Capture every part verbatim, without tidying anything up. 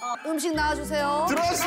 음식 나와주세요. 들어왔어!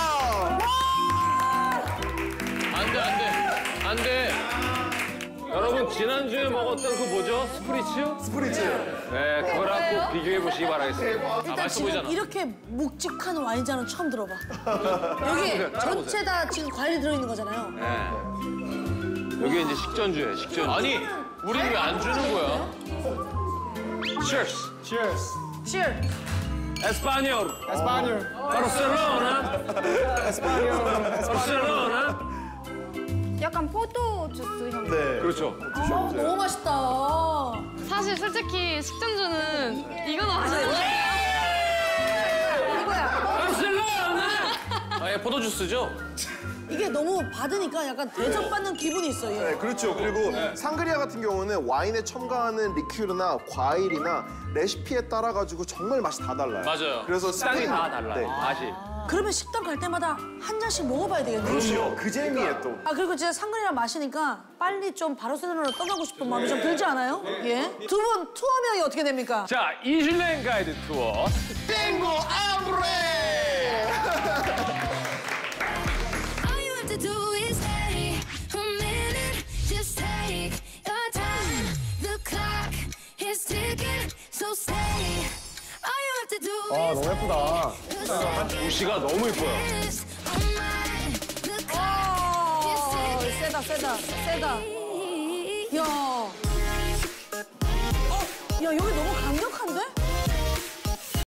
안 돼, 안 돼. 안 돼. 여러분, 지난주에 먹었던 그 뭐죠? 스프리츠? 스프리츠. 네, 그거랑 꼭 비교해보시기 바라겠습니다. 아, 일단 맛있어 지금 보이잖아. 이렇게 묵직한 와인잔은 처음 들어봐. 여기 전체 다 지금 과일이 들어있는 거잖아요. 네. 여기 이제 식전주예요, 식전주. 아니, 우리 왜 안 주는 거야? Cheers. Cheers. Cheers. 에스파뇰. 에스파뇰. 바르셀로나. 에스파뇰. 바르셀로나. 약간 포도 주스 향. 네. 그렇죠. 아, 너무 맛있다. 사실 솔직히 식전주는 이거 나왔어요. 이거야. 바르셀로나. 아, 예, 포도 주스죠? 이게 너무 받으니까 약간 대접받는 기분이 있어요. 네, 그렇죠. 그리고 상그리아 같은 경우는 와인에 첨가하는 리큐르나 과일이나 레시피에 따라 가지고 정말 맛이 다 달라요. 맞아요. 그래서 식당이 스페인- 다 달라요, 네. 맛이. 그러면 식당 갈 때마다 한 잔씩 먹어봐야 되겠네요. 그렇죠. 그 재미에 또. 아 그리고 진짜 상근이랑 마시니까 빨리 좀 바르셀로나로 떠나고 싶은 마음이 좀 들지 않아요? 예. 두 분 투어명이 어떻게 됩니까? 자, 이슐랭 가이드 투어. 땡고 아브레! All you have to do is stay a minute, just take your time. The clock is ticking, so stay. All you have to do 아, is 너무 예쁘다. 도시가 너무 예뻐요. is on mine. The 어, clock is 세다 세다 세다. ticking. 야. 어, 야 여기 너무 강력한데?